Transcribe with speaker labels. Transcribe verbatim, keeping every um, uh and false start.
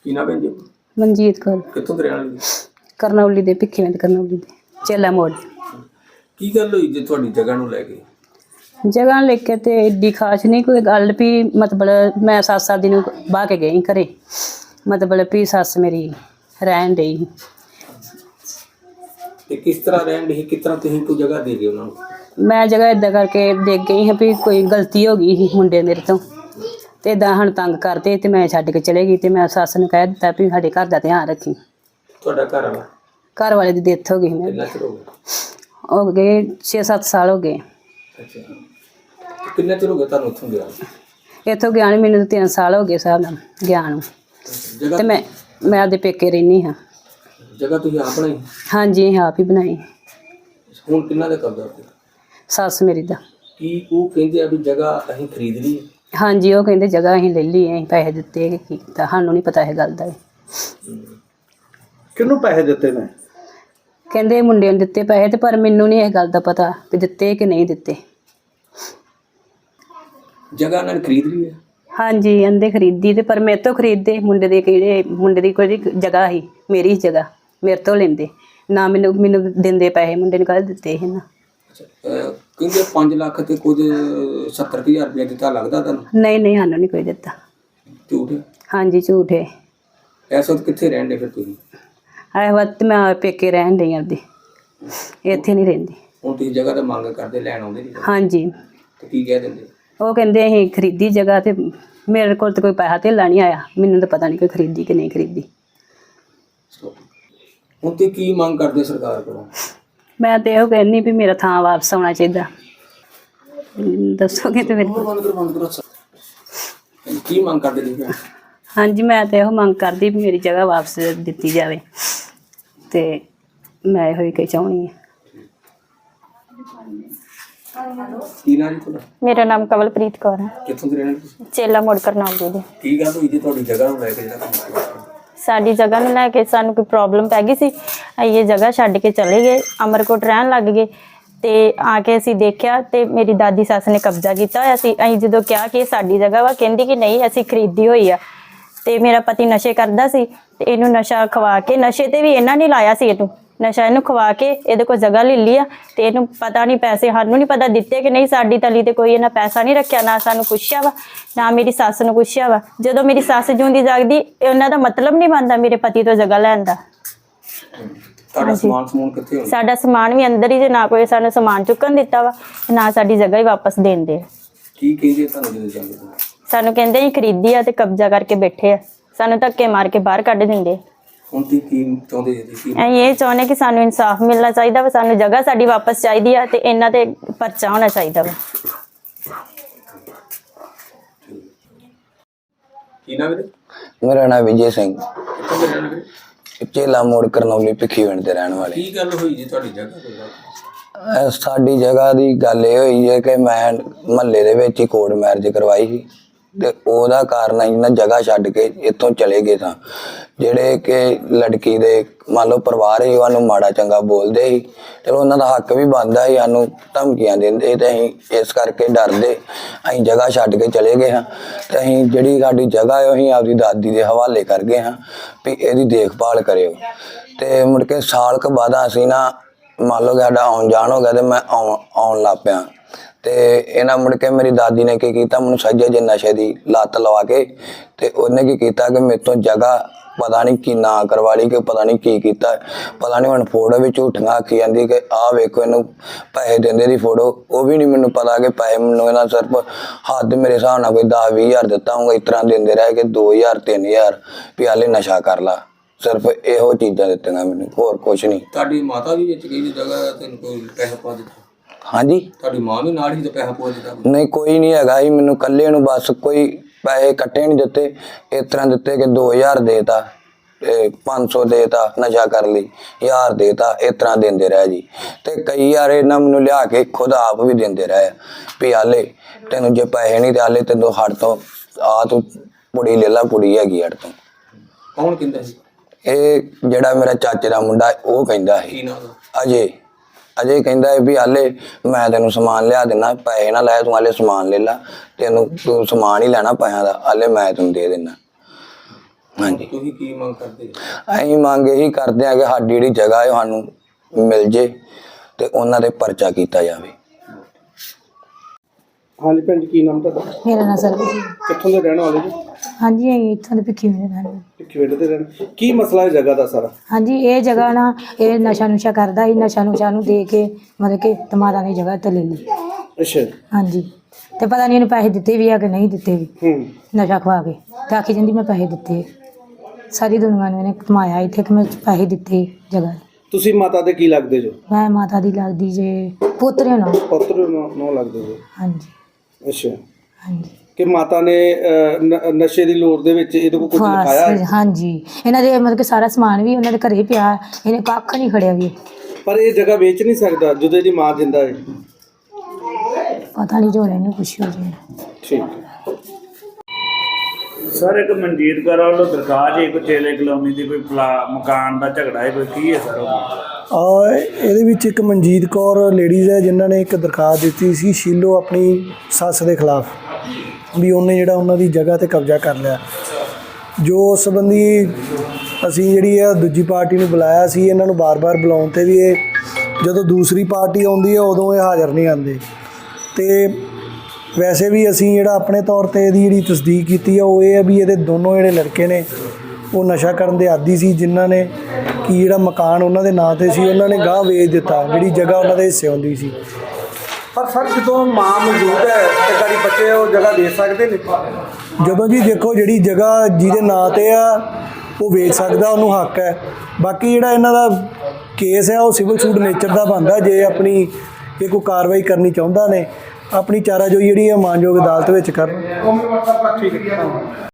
Speaker 1: ਕੀ ਨਾਮ ਹੈ ਜੀ?
Speaker 2: ਮਨਜੀਤ ਕੌਰ।
Speaker 1: ਕਿੱਥੋਂ ਦੇ ਰਹਿਣ ਵਾਲੇ?
Speaker 2: ਕਰਨੌਲੀ ਦੇ, ਭਿੱਖੀਵਿੰਡ ਕਰਨੌਲੀ ਦੇ, ਚੇਲਾ ਮੋੜ।
Speaker 1: ਕੀ ਗੱਲ ਹੋਈ ਜੇ ਤੁਹਾਡੀ ਜਗ੍ਹਾ ਨੂੰ ਲੈ ਕੇ?
Speaker 2: ਜਗ੍ਹਾ ਲੈ ਕੇ ਤੇ ਏਡੀ ਖਾਸ ਨਹੀਂ ਕੋਈ ਗੱਲ ਵੀ, ਮਤਲਬ ਮੈਂ ਸੱਤ ਸਾਲ ਦੀ ਨੂੰ ਬਾਹ ਕੇ ਗਈ ਘਰੇ, ਮਤਲਬ ਵੀ ਸੱਸ ਮੇਰੀ ਰਹਿਣ ਡਈ।
Speaker 1: ਤੇ ਕਿਸ ਤਰ੍ਹਾਂ ਰਹਿਣ ਡਈ? ਕਿਸ ਤਰ੍ਹਾਂ ਤੁਸੀਂ ਕੋਈ ਜਗ੍ਹਾ ਦੇ ਗਏ ਉਹਨਾਂ ਨੂੰ?
Speaker 2: ਮੈਂ ਜਗ੍ਹਾ ਇੱਦਾਂ ਕਰਕੇ ਦੇ ਗਈ ਹਾਂ ਵੀ ਕੋਈ ਗਲਤੀ ਹੋ ਗਈ ਸੀ ਮੁੰਡੇ ਮੇਰੇ ਤੋਂ, ਤੇ ਇੱਦਾਂ ਸਾਨੂੰ ਤੰਗ ਕਰਦੇ ਤੇ ਮੈਂ ਛੱਡ ਕੇ ਚਲੇ ਗਈ। ਤੇ ਮੈਂ ਸੱਸ ਨੂੰ ਕਹਿ ਦਿੱਤਾ ਵੀ ਸਾਡੇ ਘਰ ਦਾ ਧਿਆਨ ਰੱਖੀ।
Speaker 1: ਤੁਹਾਡਾ ਘਰ ਵਾਲਾ?
Speaker 2: ਘਰ ਵਾਲੇ ਦੀ ਡੈਥ ਹੋ ਗਈ ਮੇਰੇ।
Speaker 1: ਕਿੰਨਾ ਚਿਰ ਹੋ ਗਿਆ?
Speaker 2: ਹੋ ਗਏ ਛੇ ਸੱਤ ਸਾਲ ਹੋ ਗਏ।
Speaker 1: ਅੱਛਾ, ਕਿੰਨਾ ਚਿਰ ਹੋ ਗਿਆ ਤੁਹਾਨੂੰ ਉੱਥੋਂ ਗਿਆ?
Speaker 2: ਇੱਥੋਂ ਗਿਆ ਨੂੰ ਮੈਨੂੰ ਤਿੰਨ ਸਾਲ ਹੋ ਗਏ ਹਿਸਾਬ ਨਾਲ ਗਿਆ ਨੂੰ।
Speaker 1: ਜਗ੍ਹਾ
Speaker 2: ਤੇ ਮੈਂ ਮੈਂ ਆਪਦੇ ਪੇਕੇ ਰਹਿੰਦੀ ਹਾਂ।
Speaker 1: ਜਗ੍ਹਾ ਤੁਸੀਂ ਆਪ ਬਣਾਈ?
Speaker 2: ਹਾਂਜੀ, ਆਪ ਹੀ ਬਣਾਈ।
Speaker 1: ਹੁਣ ਕਿੰਨਾ ਦਾ ਕਬਜ਼ਾ ਉੱਤੇ?
Speaker 2: ਸੱਸ ਮੇਰੀ ਦਾ।
Speaker 1: ਕੀ ਉਹ ਕਹਿੰਦੇ ਆ ਵੀ ਜਗ੍ਹਾ ਅਸੀਂ ਖਰੀਦ ਲਈ?
Speaker 2: ਹਾਂਜੀ, ਉਹ ਕਹਿੰਦੇ ਜਗ੍ਹਾ ਅਸੀਂ ਲੈ ਲਈ, ਅਸੀਂ ਪੈਸੇ ਦਿੱਤੇ ਕਿ ਕੀ ਕੀਤਾ, ਸਾਨੂੰ ਨਹੀਂ ਪਤਾ ਇਹ ਗੱਲ ਦਾ।
Speaker 1: ਕਿਹਨੂੰ ਪੈਸੇ ਦਿੱਤੇ ਨੇ?
Speaker 2: ਕਹਿੰਦੇ ਮੁੰਡੇ ਨੂੰ ਦਿੱਤੇ ਪੈਸੇ, ਤੇ ਪਰ ਮੈਨੂੰ ਨਹੀਂ ਇਹ ਗੱਲ ਦਾ ਪਤਾ ਵੀ ਦਿੱਤੇ ਕਿ ਨਹੀਂ ਦਿੱਤੇ।
Speaker 1: ਜਗ੍ਹਾ ਉਹਨਾਂ ਨੇ ਖਰੀਦ ਲਈ ਹੈ?
Speaker 2: ਹਾਂਜੀ, ਕਹਿੰਦੇ ਖਰੀਦੀ, ਤੇ ਪਰ ਮੇਰੇ ਤੋਂ ਖਰੀਦਦੇ। ਮੁੰਡੇ ਦੇ ਕਿਹੜੇ ਮੁੰਡੇ ਦੀ ਕੋਈ ਜਗ੍ਹਾ ਸੀ, ਮੇਰੀ ਜਗ੍ਹਾ ਮੇਰੇ ਤੋਂ ਲੈਂਦੇ ਨਾ, ਮੈਨੂੰ ਮੈਨੂੰ ਦਿੰਦੇ ਪੈਸੇ। ਮੁੰਡੇ ਨੂੰ ਕਾਹਦੇ ਦਿੱਤੇ ਸੀ ਨਾ।
Speaker 1: ਅੱਛਾ, ਕਹਿੰਦੇ ਪੰਜ ਲੱਖ ਤੇ ਕੁਝ ਸੱਤਰ ਹਜ਼ਾਰ ਰੁਪਇਆ ਦਿੱਤਾ, ਲੱਗਦਾ ਤੁਹਾਨੂੰ?
Speaker 2: ਨਹੀਂ ਨਹੀਂ, ਸਾਨੂੰ ਨਹੀਂ ਕੋਈ ਦਿੱਤਾ।
Speaker 1: ਝੂਠ?
Speaker 2: ਹਾਂਜੀ, ਝੂਠ ਹੈ।
Speaker 1: ਇਸ ਵਕਤ ਕਿੱਥੇ ਰਹਿਣ ਦੇ ਫਿਰ ਤੁਸੀਂ?
Speaker 2: ਇਹ ਵਕਤ ਮੈਂ ਪੇਕੇ ਰਹਿਣ ਡਈ ਆਪਦੀ, ਇੱਥੇ ਨਹੀਂ ਰਹਿੰਦੀ।
Speaker 1: ਹੁਣ ਤੁਸੀਂ ਜਗ੍ਹਾ ਤਾਂ ਮੰਗ ਕਰਦੇ, ਲੈਣ ਆਉਂਦੇ ਨਹੀਂ?
Speaker 2: ਹਾਂਜੀ।
Speaker 1: ਤੇ ਕੀ ਕਹਿ ਦਿੰਦੇ?
Speaker 2: ਉਹ ਕਹਿੰਦੇ ਅਸੀਂ ਖਰੀਦੀ ਜਗ੍ਹਾ, ਤੇ ਮੇਰੇ ਕੋਲ ਤਾਂ ਕੋਈ ਪੈਸਾ ਧੇਲਾ ਨਹੀਂ ਆਇਆ। ਮੈਨੂੰ ਤਾਂ ਪਤਾ ਨਹੀਂ ਕੋਈ ਖਰੀਦੀ ਕਿ ਨਹੀਂ ਖਰੀਦੀ।
Speaker 1: ਹੁਣ ਤੇ ਕੀ ਮੰਗ ਕਰਦੇ ਸਰਕਾਰ ਕੋਲੋਂ?
Speaker 2: ਮੈਂ ਤਾਂ ਇਹੋ ਕਹਿੰਦੀ ਵੀ ਮੇਰਾ ਥਾਂ ਵਾਪਸ ਆਉਣਾ ਚਾਹੀਦਾ। ਦੱਸੋਗੇ ਤੇ ਮੇਰੇ
Speaker 1: ਬੰਦ ਕਰੋ, ਬੰਦ ਕਰੋ। ਕੀ ਮੰਗ ਕਰਦੇ ਜੀ?
Speaker 2: ਹਾਂਜੀ, ਮੈਂ ਤਾਂ ਇਹੋ ਮੰਗ ਕਰਦੀ ਵੀ ਮੇਰੀ ਜਗ੍ਹਾ ਵਾਪਸ ਦਿੱਤੀ ਜਾਵੇ, ਤੇ ਮੈਂ ਇਹੋ ਹੀ ਕਿ ਚਾਹੁੰਦੀ ਹਾਂ।
Speaker 1: ਕੀ ਨਾਮ ਜੀ ਤੁਹਾਡਾ?
Speaker 3: ਮੇਰਾ ਨਾਮ ਕਵਲਪ੍ਰੀਤ ਕੌਰ ਹੈ।
Speaker 1: ਕਿੱਥੋਂ ਦੇ ਰਹਿਣ ਵਾਲੇ ਤੁਸੀਂ?
Speaker 3: ਚੇਲਾ ਮੋੜ ਕਰਨੌਲੀ ਦੇ।
Speaker 1: ਕੀ ਗੱਲ ਹੋਈ ਜੀ ਤੁਹਾਡੀ ਜਗ੍ਹਾ ਨੂੰ ਲੈ ਕੇ ਜਿਹੜਾ ਕੰਮ ਕੀਤਾ?
Speaker 3: ਸਾਡੀ ਜਗ੍ਹਾ ਨੂੰ ਲੈ ਕੇ ਸਾਨੂੰ ਕੋਈ ਪ੍ਰੋਬਲਮ ਪੈ ਗਈ ਸੀ। ਅਸੀਂ ਇਹ ਜਗ੍ਹਾ ਛੱਡ ਕੇ ਚਲੇ ਗਏ, ਅਮਰਕੋਟ ਰਹਿਣ ਲੱਗ ਗਏ। ਤੇ ਆ ਕੇ ਅਸੀਂ ਦੇਖਿਆ ਤੇ ਮੇਰੀ ਦਾਦੀ ਸੱਸ ਨੇ ਕਬਜ਼ਾ ਕੀਤਾ ਹੋਇਆ ਸੀ। ਅਸੀਂ ਜਦੋਂ ਕਿਹਾ ਕਿ ਇਹ ਸਾਡੀ ਜਗ੍ਹਾ ਵਾ, ਕਹਿੰਦੀ ਕਿ ਨਹੀਂ ਅਸੀਂ ਖਰੀਦੀ ਹੋਈ ਆ। ਤੇ ਮੇਰਾ ਪਤੀ ਨਸ਼ੇ ਕਰਦਾ ਸੀ, ਤੇ ਇਹਨੂੰ ਨਸ਼ਾ ਖਵਾ ਕੇ, ਨਸ਼ੇ ਤੇ ਵੀ ਇਹਨਾਂ ਨੇ ਲਾਇਆ ਸੀ, ਇਹਨੂੰ ਨਸ਼ਾ ਇਹਨੂੰ ਖਵਾ ਕੇ ਇਹਦੇ ਕੋਲ ਜਗ੍ਹਾ ਲੈ ਲਈ ਆ। ਤੇ ਇਹਨੂੰ ਪਤਾ ਨਹੀਂ ਪੈਸੇ, ਸਾਨੂੰ ਨਹੀਂ ਪਤਾ ਦਿੱਤੇ ਕਿ ਨਹੀਂ। ਸਾਡੀ ਤਲੀ ਤੇ ਕੋਈ ਇਹਨਾਂ ਪੈਸਾ ਨਹੀਂ ਰੱਖਿਆ, ਨਾ ਸਾਨੂੰ ਪੁੱਛਿਆ ਵਾ, ਨਾ ਮੇਰੀ ਸੱਸ ਨੂੰ ਪੁੱਛਿਆ ਵਾ। ਜਦੋਂ ਮੇਰੀ ਸੱਸ ਜਿਉਂਦੀ ਜਾਗਦੀ, ਉਹਨਾਂ ਦਾ ਮਤਲਬ ਨਹੀਂ ਬਣਦਾ ਮੇਰੇ ਪਤੀ ਤੋਂ ਜਗ੍ਹਾ ਲੈਣ ਦਾ।
Speaker 1: ਤੁਹਾਡਾ ਸਮਾਨ ਸਮੂਨ ਕਿੱਥੇ ਹੁੰਦਾ?
Speaker 3: ਸਾਡਾ ਸਮਾਨ ਵੀ ਅੰਦਰ ਹੀ, ਜੇ ਨਾ ਕੋਈ ਸਾਨੂੰ ਸਮਾਨ ਚੁੱਕਣ ਦਿੱਤਾ ਵਾ, ਨਾ ਸਾਡੀ ਜਗ੍ਹਾ ਹੀ ਵਾਪਸ ਦੇਂਦੇ।
Speaker 1: ਕੀ ਕਹਿੰਦੇ ਤੁਹਾਨੂੰ ਜਦੋਂ ਜਾਂਦੇ?
Speaker 3: ਸਾਨੂੰ ਕਹਿੰਦੇ ਅਸੀਂ ਖਰੀਦੀ ਆ ਤੇ ਕਬਜ਼ਾ ਕਰਕੇ ਬੈਠੇ ਆ, ਸਾਨੂੰ ਧੱਕੇ ਮਾਰ ਕੇ ਬਾਹਰ ਕੱਢ ਦਿੰਦੇ।
Speaker 1: ਹੁਣ ਤੁਸੀਂ ਕੀ ਚਾਹੁੰਦੇ ਜੀ? ਤੁਸੀਂ
Speaker 3: ਅਸੀਂ ਇਹ ਚਾਹੁੰਦੇ ਕਿ ਸਾਨੂੰ ਇਨਸਾਫ ਮਿਲਣਾ ਚਾਹੀਦਾ ਵਾ, ਸਾਨੂੰ ਜਗ੍ਹਾ ਸਾਡੀ ਵਾਪਸ ਚਾਹੀਦੀ ਆ, ਤੇ ਇਹਨਾਂ ਤੇ ਪਰਚਾ ਹੋਣਾ ਚਾਹੀਦਾ ਵਾ।
Speaker 1: ਕੀ ਨਾਮ ਹੈ?
Speaker 4: ਮੇਰਾ ਨਾਮ ਵਿਜੇ ਸਿੰਘ,
Speaker 1: ਕਿੱਥੋਂ ਦੇ ਰਹਿਣ ਵਾਲੇ?
Speaker 4: ਚੇਲਾ ਮੋੜ ਕਰਨੌਲੀ ਭਿੱਖੀਵਿੰਡ ਦੇ ਰਹਿਣ ਵਾਲੇ।
Speaker 1: ਕੀ ਗੱਲ ਹੋਈ ਜੀ ਤੁਹਾਡੀ ਜਗ੍ਹਾ ਤੇ?
Speaker 4: ਅਹ ਸਾਡੀ ਜਗ੍ਹਾ ਦੀ ਗੱਲ ਇਹ ਹੋਈ ਹੈ ਕਿ ਮੈਂ ਮਹੱਲੇ ਦੇ ਵਿੱਚ ਹੀ ਕੋਰਟ ਮੈਰਿਜ ਕਰਵਾਈ ਸੀ, ਤੇ ਉਹਦਾ ਕਾਰਨ ਅਸੀਂ ਨਾ ਜਗ੍ਹਾ ਛੱਡ ਕੇ ਇੱਥੋਂ ਚਲੇ ਗਏ ਸਾਂ। ਜਿਹੜੇ ਕਿ ਲੜਕੀ ਦੇ ਮੰਨ ਲਓ ਪਰਿਵਾਰ ਸੀ, ਉਹਨੂੰ ਮਾੜਾ ਚੰਗਾ ਬੋਲਦੇ ਸੀ। ਚਲੋ ਉਹਨਾਂ ਦਾ ਹੱਕ ਵੀ ਬਣਦਾ ਸੀ, ਸਾਨੂੰ ਧਮਕੀਆਂ ਦਿੰਦੇ, ਤੇ ਅਸੀਂ ਇਸ ਕਰਕੇ ਡਰਦੇ ਅਸੀਂ ਜਗ੍ਹਾ ਛੱਡ ਕੇ ਚਲੇ ਗਏ ਹਾਂ। ਤੇ ਅਸੀਂ ਜਿਹੜੀ ਸਾਡੀ ਜਗ੍ਹਾ ਹੈ, ਅਸੀਂ ਆਪਦੀ ਦਾਦੀ ਦੇ ਹਵਾਲੇ ਕਰ ਗਏ ਹਾਂ ਵੀ ਇਹਦੀ ਦੇਖਭਾਲ ਕਰਿਓ। ਤੇ ਮੁੜ ਕੇ ਸਾਲ ਕੁ ਬਾਅਦ ਅਸੀਂ ਨਾ ਮੰਨ ਲਓ ਸਾਡਾ ਆਉਣ ਜਾਣ ਹੋ ਗਿਆ, ਤੇ ਮੈਂ ਆਉਣ ਆਉਣ ਲੱਗ ਪਿਆ। ਤੇ ਇਹਨਾਂ ਮੁੜ ਕੇ ਮੇਰੀ ਦਾਦੀ ਨੇ ਕੀ ਕੀਤਾ, ਮੈਨੂੰ ਸੱਜੇ ਜੇ ਨਸ਼ੇ ਦੀ ਲੱਤ ਲਵਾ ਕੇ, ਤੇ ਉਹਨੇ ਕੀ ਕੀਤਾ ਕਿ ਮੇਰੇ ਤੋਂ ਜਗ੍ਹਾ ਪਤਾ ਨਹੀਂ ਕੀ ਨਾ ਕਰਵਾ ਲਈ, ਕਿ ਪਤਾ ਨਹੀਂ ਕੀ ਕੀਤਾ, ਪਤਾ ਨਹੀਂ। ਹੁਣ ਫੋਟੋ ਵੀ ਝੂਠੀਆਂ ਆਖੀ ਜਾਂਦੀ ਕਿ ਆਹ ਵੇਖੋ ਇਹਨੂੰ ਪੈਸੇ ਦਿੰਦੇ ਦੀ ਫੋਟੋ, ਉਹ ਵੀ ਨਹੀਂ ਮੈਨੂੰ ਪਤਾ ਕਿ ਪੈਸੇ ਮੈਨੂੰ ਇਹਨਾਂ ਸਿਰਫ ਹੱਦ ਮੇਰੇ ਹਿਸਾਬ ਨਾਲ ਕੋਈ ਦਸ ਵੀਹ ਹਜ਼ਾਰ ਦਿੱਤਾ ਹੋਊਗਾ। ਇਸ ਤਰ੍ਹਾਂ ਦਿੰਦੇ ਰਹੇ ਕਿ ਦੋ ਹਜ਼ਾਰ ਤਿੰਨ ਹਜ਼ਾਰ ਵੀ ਹਾਲੇ ਨਸ਼ਾ ਕਰ ਲਾ, ਸਿਰਫ ਇਹੋ ਚੀਜ਼ਾਂ ਦਿੱਤੀਆਂ ਮੈਨੂੰ, ਹੋਰ ਕੁਛ ਨਹੀਂ।
Speaker 1: ਤੁਹਾਡੀ ਮਾਤਾ ਵੀ ਵਿੱਚ ਗਈ ਜਗ੍ਹਾ ਤੈਨੂੰ ਕੋਈ ਪੈਸਾ ਪਾ ਦਿੱਤਾ?
Speaker 4: ਹਾਂਜੀ,
Speaker 1: ਤੁਹਾਡੀ ਮਾਂ ਵੀ ਨਾਲ ਹੀ ਤੇ ਪੈਸਾ ਪਾ ਦਿੱਤਾ?
Speaker 4: ਨਹੀਂ, ਕੋਈ ਨਹੀਂ ਹੈਗਾ ਸੀ, ਮੈਨੂੰ ਇਕੱਲੇ ਨੂੰ ਬਸ ਕੋਈ ਪੈਸੇ ਇਕੱਠੇ ਨਹੀਂ ਦਿੱਤੇ। ਇਸ ਤਰ੍ਹਾਂ ਦਿੱਤੇ ਕਿ ਦੋ ਹਜ਼ਾਰ ਦੇਤਾ, ਤੇ ਪੰਜ ਸੌ ਦੇਤਾ ਨਸ਼ਾ ਕਰ ਲਈ, ਹਜ਼ਾਰ ਦੇਤਾ, ਇਸ ਤਰ੍ਹਾਂ ਦਿੰਦੇ ਰਹੇ ਜੀ। ਤੇ ਕਈ ਵਾਰ ਇਹਨਾਂ ਮੈਨੂੰ ਲਿਆ ਕੇ ਖੁਦ ਆਪ ਵੀ ਦਿੰਦੇ ਰਹੇ ਵੀ ਹਾਲੇ ਤੈਨੂੰ ਜੇ ਪੈਸੇ ਨਹੀਂ ਤੇ ਹਾਲੇ ਤੈਨੂੰ ਹੱਟ ਤੋਂ ਆ ਤੂੰ ਪੁੜੀ ਲੈ ਲਾ, ਪੁੜੀ ਹੈਗੀ ਹੱਟ ਤੋਂ।
Speaker 1: ਕੌਣ ਕਹਿੰਦਾ ਸੀ?
Speaker 4: ਇਹ ਜਿਹੜਾ ਮੇਰਾ ਚਾਚੇ ਦਾ ਮੁੰਡਾ ਉਹ ਕਹਿੰਦਾ ਸੀ।
Speaker 1: ਕੀ ਨਾਮ ਦਾ?
Speaker 4: ਅਜੇ ਅਜੇ ਕਹਿੰਦਾ ਵੀ ਹਾਲੇ ਮੈਂ ਤੈਨੂੰ ਸਮਾਨ ਲਿਆ ਦਿੰਦਾ, ਪੈਸੇ ਨਾ ਲੈ, ਤੂੰ ਹਾਲੇ ਸਮਾਨ ਲੈ ਲਾ, ਤੈਨੂੰ ਤੂੰ ਸਮਾਨ ਹੀ ਲੈਣਾ ਪੈਸਿਆਂ ਦਾ, ਹਾਲੇ ਮੈਂ ਤੈਨੂੰ ਦੇ ਦਿੰਦਾ। ਹਾਂਜੀ। ਹਾਂਜੀ।
Speaker 1: ਤੁਸੀਂ ਕੀ ਮੰਗ ਕਰਦੇ ਜੀ?
Speaker 4: ਅਸੀਂ ਮੰਗ ਇਹੀ ਕਰਦੇ ਹਾਂ ਕਿ ਸਾਡੀ ਜਿਹੜੀ ਜਗ੍ਹਾ ਹੈ ਉਹ ਸਾਨੂੰ ਮਿਲ ਜੇ ਤੇ ਉਹਨਾਂ ਦੇ ਪਰਚਾ ਕੀਤਾ ਜਾਵੇ।
Speaker 5: ਹਾਂਜੀ ਭੈਣ ਜੀ, ਕੀ ਨਾਮ ਤੁਹਾਡਾ?
Speaker 6: ਮੇਰਾ ਨਾਂ ਸਰਬਜੀਤ।
Speaker 5: ਕਿੱਥੋਂ ਦੇ ਰਹਿਣ ਵਾਲੇ ਜੀ?
Speaker 6: ਹਾਂਜੀ ਅਸੀਂ ਇੱਥੋਂ ਦੇ ਭਿੱਖੀ ਹੋਏ ਰਹਿੰਦੇ।
Speaker 5: ਭਿੱਖੀਵਿੰਡ ਦੇ ਰਹਿਣ। ਕੀ ਮਸਲਾ ਹੈ ਜਗ੍ਹਾ ਦਾ ਸਾਰਾ?
Speaker 6: ਹਾਂਜੀ ਇਹ ਜਗ੍ਹਾ ਨਾ ਇਹ ਨਸ਼ਾ ਨੁਸ਼ਾ ਕਰਦਾ ਸੀ, ਨਸ਼ਾ ਨੁਸ਼ਾ ਨੂੰ ਦੇ ਕੇ ਮਤਲਬ ਕਿ ਤਮਾਰਾ ਨੇ ਜਗ੍ਹਾ ਤੇ ਲੈ ਲਈ।
Speaker 5: ਅੱਛਾ।
Speaker 6: ਹਾਂਜੀ ਤੇ ਪਤਾ ਨਹੀਂ ਇਹਨੂੰ ਪੈਸੇ ਦਿੱਤੇ ਵੀ ਆ ਕਿ ਨਹੀਂ ਦਿੱਤੇ ਵੀ,
Speaker 5: ਹੂੰ।
Speaker 6: ਨਸ਼ਾ ਖਵਾ ਕੇ ਤੇ ਆਖੀ ਜਾਂਦੀ ਮੈਂ ਪੈਸੇ ਦਿੱਤੇ। ਸਾਰੀ ਦੁਨੀਆ ਨੂੰ ਇਹਨੇ ਕਮਾਇਆ ਇੱਥੇ ਕਿ ਮੈਂ ਪੈਸੇ ਦਿੱਤੇ ਜਗ੍ਹਾ।
Speaker 5: ਤੁਸੀਂ ਮਾਤਾ ਦੇ ਕੀ ਲੱਗਦੇ ਜੋ?
Speaker 6: ਮੈਂ ਮਾਤਾ ਦੀ ਲੱਗਦੀ ਜੇ ਪੋਤਰੇ ਨਾਲ।
Speaker 5: ਪੁੱਤਰ ਨੂੰ ਲੱਗਦੇ ਜੋ?
Speaker 6: ਹਾਂਜੀ
Speaker 5: ਅੱਛਾ।
Speaker 6: ਹਾਂਜੀ
Speaker 5: ਕਿ ਮਾਤਾ ਨੇ ਅਹ, ਨ- ਨਸ਼ੇ ਦੀ ਲੋੜ ਦੇ ਵਿੱਚ ਇਹਦੇ ਕੋਲ ਕੁਝ ਲਿਖਾਇਆ
Speaker 6: ਬਸ
Speaker 5: ਹੈ?
Speaker 6: ਹਾਂਜੀ ਇਹਨਾਂ ਦੇ ਮਤਲਬ ਕਿ ਸਾਰਾ ਸਮਾਨ ਵੀ ਉਹਨਾਂ ਦੇ ਘਰੇ ਪਿਆ, ਇਹਨੇ ਕੱਖ ਨਹੀਂ ਖੜਿਆ ਵੀ।
Speaker 5: ਪਰ ਇਹ ਜਗ੍ਹਾ ਵੇਚ ਨਹੀਂ ਸਕਦਾ ਜਦੋਂ ਇਹਦੀ ਮਾਂ ਜਿੰਦਾ ਹੈ।
Speaker 6: ਪਤਾ ਨਹੀਂ ਜੋ ਇਹਨੂੰ ਪੁੱਛਿਓ ਜੀ।
Speaker 5: ਠੀਕ ਹੈ।
Speaker 7: ਸਰ ਇੱਕ ਮਨਜੀਤ ਕੌਰ ਵੱਲੋਂ ਦਰਖਾਸਤ ਹੈ ਕੋਈ ਚੇਲੇ ਕਲੋਨੀ ਦੀ ਕੋਈ ਪਲਾ ਮਕਾਨ ਦਾ ਝਗੜਾ ਹੈ ਕੋਈ ਕੀ ਹੈ ਸਰ ਉਹ?
Speaker 8: ਔਰ ਇਹਦੇ ਵਿੱਚ ਇੱਕ ਮਨਜੀਤ ਕੌਰ ਲੇਡੀਜ਼ ਹੈ ਜਿਨ੍ਹਾਂ ਨੇ ਇੱਕ ਦਰਖਾਸਤ ਦਿੱਤੀ ਸੀ ਸ਼ੀਲੋ ਆਪਣੀ ਸੱਸ ਦੇ ਖਿਲਾਫ ਵੀ ਉਹਨੇ ਜਿਹੜਾ ਉਹਨਾਂ ਦੀ ਜਗ੍ਹਾ ਤੇ ਕਬਜ਼ਾ ਕਰ ਲਿਆ। ਜੋ ਉਸ ਸੰਬੰਧੀ ਅਸੀਂ ਜਿਹੜੀ ਆ ਦੂਜੀ ਪਾਰਟੀ ਨੂੰ ਬੁਲਾਇਆ ਸੀ, ਇਹਨਾਂ ਨੂੰ ਬਾਰ-ਬਾਰ ਬੁਲਾਉਣ ਤੇ ਵੀ ਇਹ ਜਦੋਂ ਦੂਸਰੀ ਪਾਰਟੀ ਆਉਂਦੀ ਹੈ ਉਦੋਂ ਇਹ ਹਾਜ਼ਰ ਨਹੀਂ ਆਉਂਦੇ। ਤੇ ਵੈਸੇ ਵੀ ਅਸੀਂ ਜਿਹੜਾ ਆਪਣੇ ਤੌਰ ਤੇ ਇਹਦੀ ਜਿਹੜੀ ਤਸਦੀਕ ਕੀਤੀ ਆ ਉਹ ਇਹ ਹੈ ਵੀ ਇਹਦੇ ਦੋਨੋਂ ਜਿਹੜੇ ਲੜਕੇ ਨੇ ਉਹ ਨਸ਼ਾ ਕਰਨ ਦੇ ਆਦੀ ਸੀ, ਜਿਨ੍ਹਾਂ ਨੇ ਕਿ ਜਿਹੜਾ ਮਕਾਨ ਉਹਨਾਂ ਦੇ ਨਾਂ ਤੇ ਸੀ ਉਹਨਾਂ ਨੇ ਗਾਹ ਵੇਚ ਦਿੱਤਾ, ਜਿਹੜੀ ਜਗ੍ਹਾ ਉਹਨਾਂ ਦੇ ਹਿੱਸੇ ਹੁੰਦੀ ਸੀ।
Speaker 5: ਪਰ ਸਰ ਜਦੋਂ ਮਾਂ ਮੌਜੂਦ ਹੈ ਤੇ ਗਾੜੀ ਬੱਚੇ ਉਹ ਜਗ੍ਹਾ ਦੇ ਸਕਦੇ ਨੇ?
Speaker 8: ਜਦੋਂ ਜੀ ਦੇਖੋ ਜਿਹੜੀ ਜਗ੍ਹਾ ਜਿਹਦੇ ਨਾਂ ਤੇ ਆ ਉਹ ਵੇਚ ਸਕਦਾ, ਉਹਨੂੰ ਹੱਕ ਹੈ। ਬਾਕੀ ਜਿਹੜਾ ਇਹਨਾਂ ਦਾ ਕੇਸ ਹੈ ਉਹ ਸਿਵਲ ਸੂਟ ਨੇਚਰ ਦਾ ਬਣਦਾ। ਜੇ ਆਪਣੀ ਇਹ ਕੋਈ ਕਾਰਵਾਈ ਕਰਨੀ ਚਾਹੁੰਦਾ ਨੇ ਆਪਣੀ ਚਾਰਾਜੋਈ ਜਿਹੜੀ ਹੈ ਮਾਨਯੋਗ ਅਦਾਲਤ ਵਿੱਚ ਕਰਨ।
Speaker 5: ਠੀਕ ਹੈ।